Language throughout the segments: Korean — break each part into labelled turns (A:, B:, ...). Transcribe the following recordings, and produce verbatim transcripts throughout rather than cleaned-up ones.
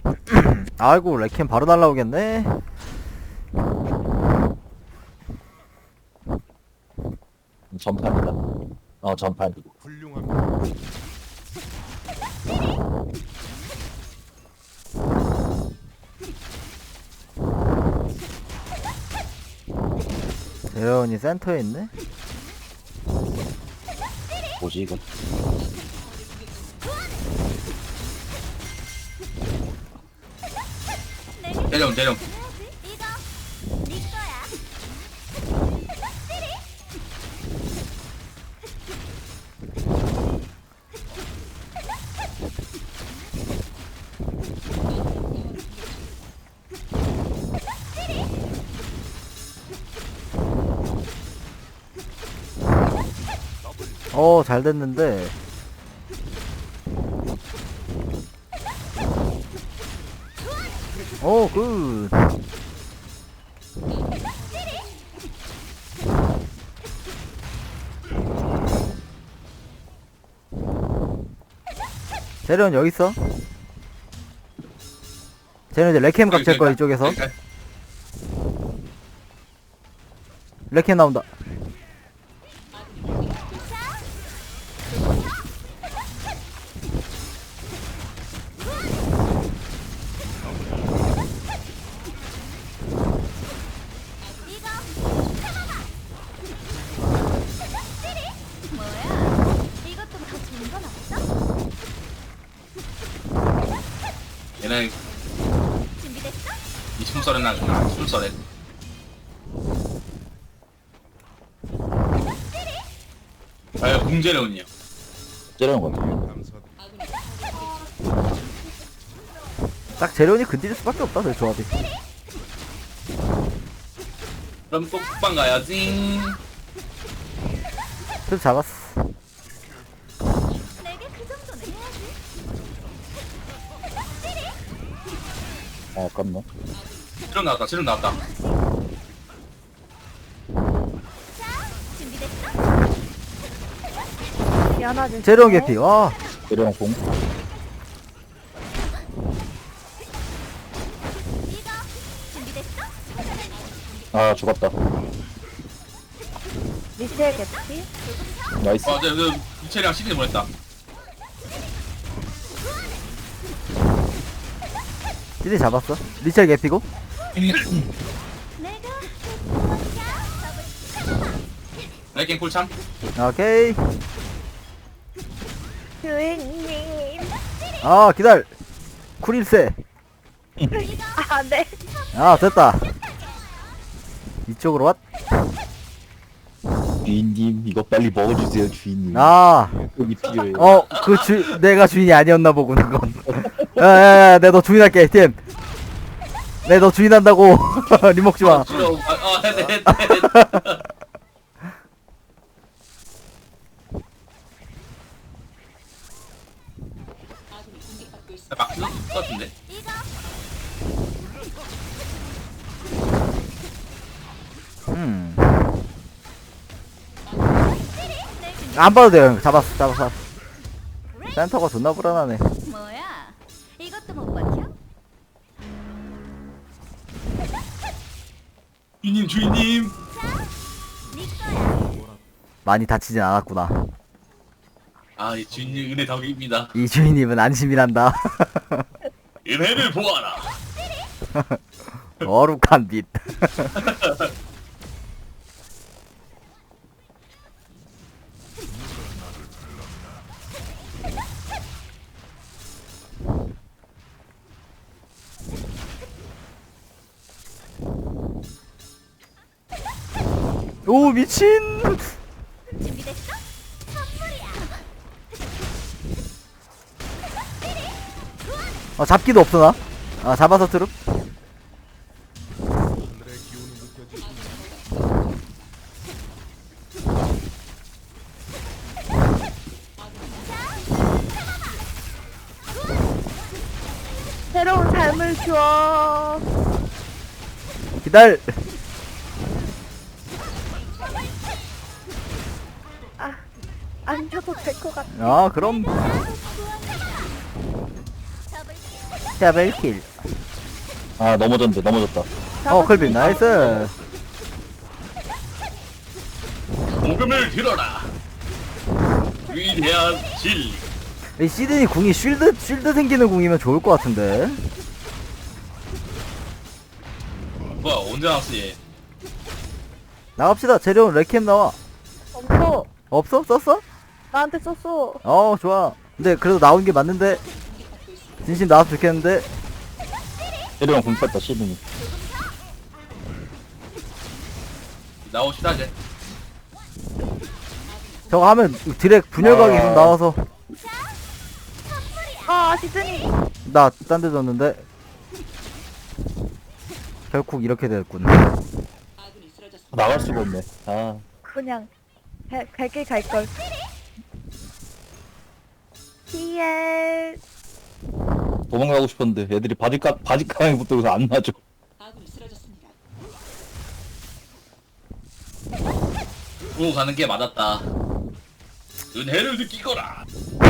A: 아이고 레켄 바로 날라오겠네.
B: 전판이다. 어 전판이고.
C: 훌륭합니다.
A: 재현이 센터에 있네.
B: 뭐지 이건?
D: 대령 대령.
E: 이거 네 거야.
A: 어 잘됐는데. 오 굿. 재련 여기 있어. 재련 이제 레캠 각질 거야 이쪽에서. 레캠 나온다.
E: 뭐야? 이것도 더 좋은 건 없어?
D: 얘는
E: 준비됐어?
D: 이 숨소리 나구나. 숨소리. 아 공제로운요.
B: 째려는 거야.
C: 감사드립니다.
A: 딱 재련이 근딜 수밖에 없다 내 조합이.
D: 그럼 또 국방 가야지.
A: 좀 잡았어.
E: 내게 그 정도는 해야지.
B: 아 아깝네.
D: 지름 나왔다. 지름 나왔다.
E: 준비됐어?
F: 미안하지.
A: 재련 개피. 와.
B: 째려는 공.
E: 이거 준비됐어?
B: 아 죽었다.
F: 미셸 개피?
B: 나이스.
D: 아, 네, 그 이철이랑 시즌 보냈다.
A: 찌리 잡았어. 리첼 개피고.
E: 내가
D: 레이킹 쿨참.
A: 오케이.
F: 주인님.
A: 아 기다려. 쿨일세.
F: 아, 네.
A: 아 됐다. 이쪽으로 왔.
B: 주인님 이거 빨리 먹어주세요 주인님.
A: 아.
B: 여기 필요해.
A: 어, 그 주, 내가 주인이 아니었나 보군, 그건. 야, 야, 야, 내 너 주인할게, 팀. 내 너 주인한다고. 니 먹지 마.
D: 싫어. 아, 아, 네, 네, 네. 막 들을 것 같은데.
E: 이거
A: 음. 안 봐도 돼요, 형. 잡았어, 잡았어. 센터가 존나 불안하네.
E: 뭐야? 이것도 못 버텨?
D: 주인님, 주인님.
E: 네 거야.
A: 많이 다치진 않았구나.
D: 아, 이 주인님 은혜 덕입니다.
A: 이 주인님은 안심이란다.
D: 은혜를 보아라.
A: 어룩한 빛. 오, 미친!
E: 준비됐어? 선물이야.
A: 어, 잡기도 없어, 나. 아, 잡아서 트룹.
C: 하늘의 기운이 느껴지십니다.
F: 새로운 삶을 줘.
A: 기다려.
F: 아, 안 줘도 될 것 같아.
A: 아, 그럼.
E: 잡을게.
A: 더블킬.
B: 아 넘어졌는데 넘어졌다.
A: 어 클빈 나이스.
D: 복음을 들어라. 위대한 진리.
A: 이 시드니 궁이 쉴드 쉴드 생기는 궁이면 좋을 것 같은데.
D: 뭐야 언제 나왔어 얘?
A: 나갑시다. 재료는 레캠 나와.
F: 없어.
A: 없어? 썼어?
F: 나한테 썼어.
A: 어 좋아. 근데 그래도 나온 게 맞는데. 진심 나와서 좋겠는데.
B: 때리면 공 뺐다 시드니.
D: 나오시다 이제.
A: 저거 하면 드랙 분열각이 좀 나와서
F: 아, 시즈니.
A: 나 딴 데 줬는데 결국 이렇게 됐군.
B: 나갈 수가 없네. 아
F: 그냥 갈길 갈걸. 티엘.
B: 도망가고 싶었는데 애들이 바지가 바지가랑이 붙들고서 안 놔줘.
D: 오 가는 게 맞았다. 은혜를 느끼거라.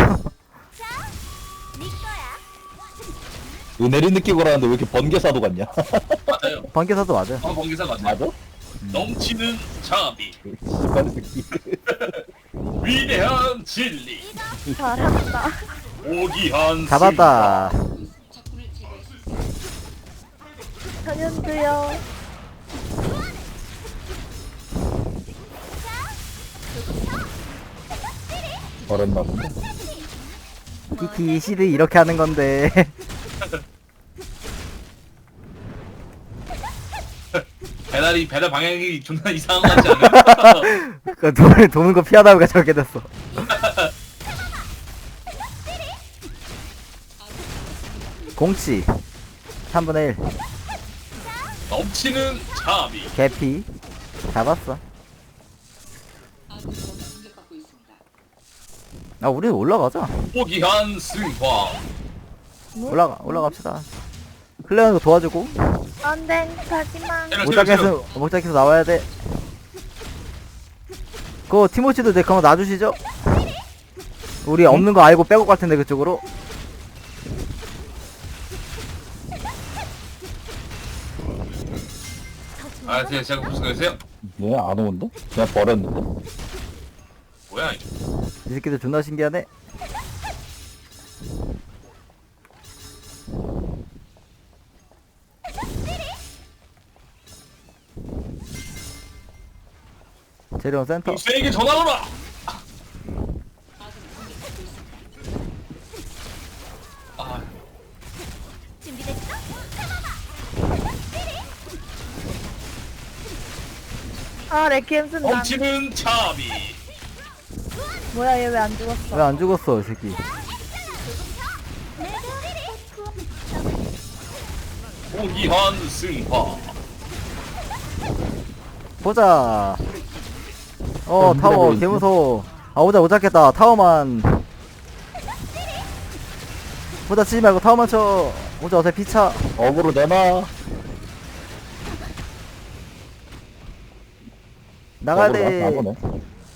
E: 네 거야.
B: 은혜를 느끼고라는데 왜 이렇게 번개사도 같냐?
D: 맞아요.
A: 번개사도 맞아.
D: 어 번개사 맞아요.
B: 맞아?
D: 넘치는 자비.
B: 씨발 새끼.
D: 위대한 진리.
F: 잘한다.
D: 오기한
A: 잡았다.
F: 전현주요.
B: 버렸나 본데.
A: 키키 시드 이렇게 하는 건데.
D: 배달이 배달 방향이 존나 이상한 거 같지 않아요?
A: 그 도는, 도는 거 피하다가 저렇게 됐어. 공치 삼분의 일
D: 넘치는 자비.
A: 개피 잡았어. 아 우리 올라가자.
D: 오기한 승화.
A: 올라가 올라갑시다. 클레어는 도와주고
F: 안 돼, 가지마.
D: 때려, 때려, 때려.
A: 모자켓에서 모자켓에서 나와야 돼. 그거 티모치도 내 한번 놔주시죠. 우리 없는 거 알고 빼고 갈 텐데 그쪽으로.
D: 아 제가 제가 무슨 거였어요?
B: 얘 안 오는데? 그냥 버렸는데.
D: 뭐야 이게?
A: 이 새끼들 존나 신기하네. 재료원 센터.
D: 동생에게 전화오라. 아
E: 준비됐어?
F: 아, 레키엠 쓴다.
D: 넘치는 자비.
F: 뭐야, 얘 왜 안 죽었어?
A: 왜 안 죽었어 이 새끼.
D: 오기한 승화.
A: 보자. 어
B: 어,
A: 타워
B: 힘들어
A: 개무서워. 아 오자 못 잡겠다. 타워만. 보자 치지 말고 타워만 쳐. 오자 어차피 피차.
B: 어그로 내놔.
A: 나가야
B: 어그로
A: 돼.
B: 안 오네.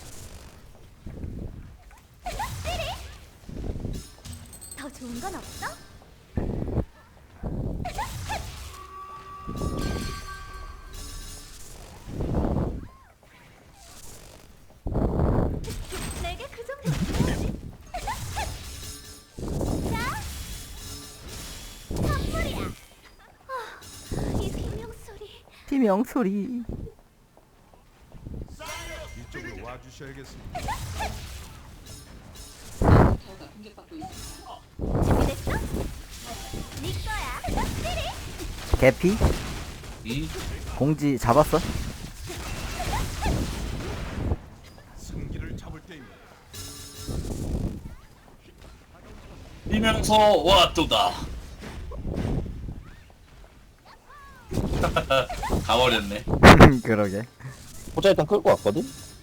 E: 더 좋은 건 없어? 내게 그 정도. 자, 선물이야. 아, 이 비명 소리.
A: 팀명 소리.
C: 이쪽으로 와주셔야겠습니다.
E: 준비됐어? 네 거야.
A: 개피
D: 이
A: 공지 잡았어.
C: 승기를 잡을 때입니다.
D: 뛰면서 왔도다. 가버렸네.
A: 그러게.
B: 호자 일단 끌고 왔거든?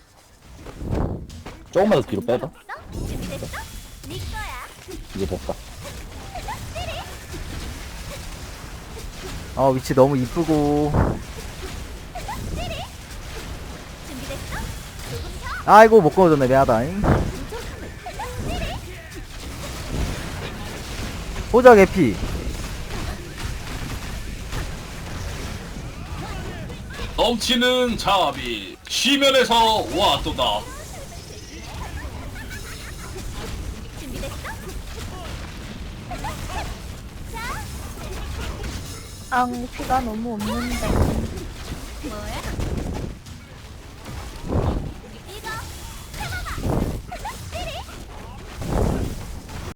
B: 조금만 더 뒤로 빼봐.
E: 준비됐어? 네 거야.
B: 이제 됐다.
A: 어 위치 너무 이쁘고.
E: 준비됐어?
A: 아이고 못 꺼졌네 미안하다잉. 보자 개피.
D: 넘치는 자비 시면에서 와또다.
F: 앙 피가 너무 없는데.
E: 뭐야?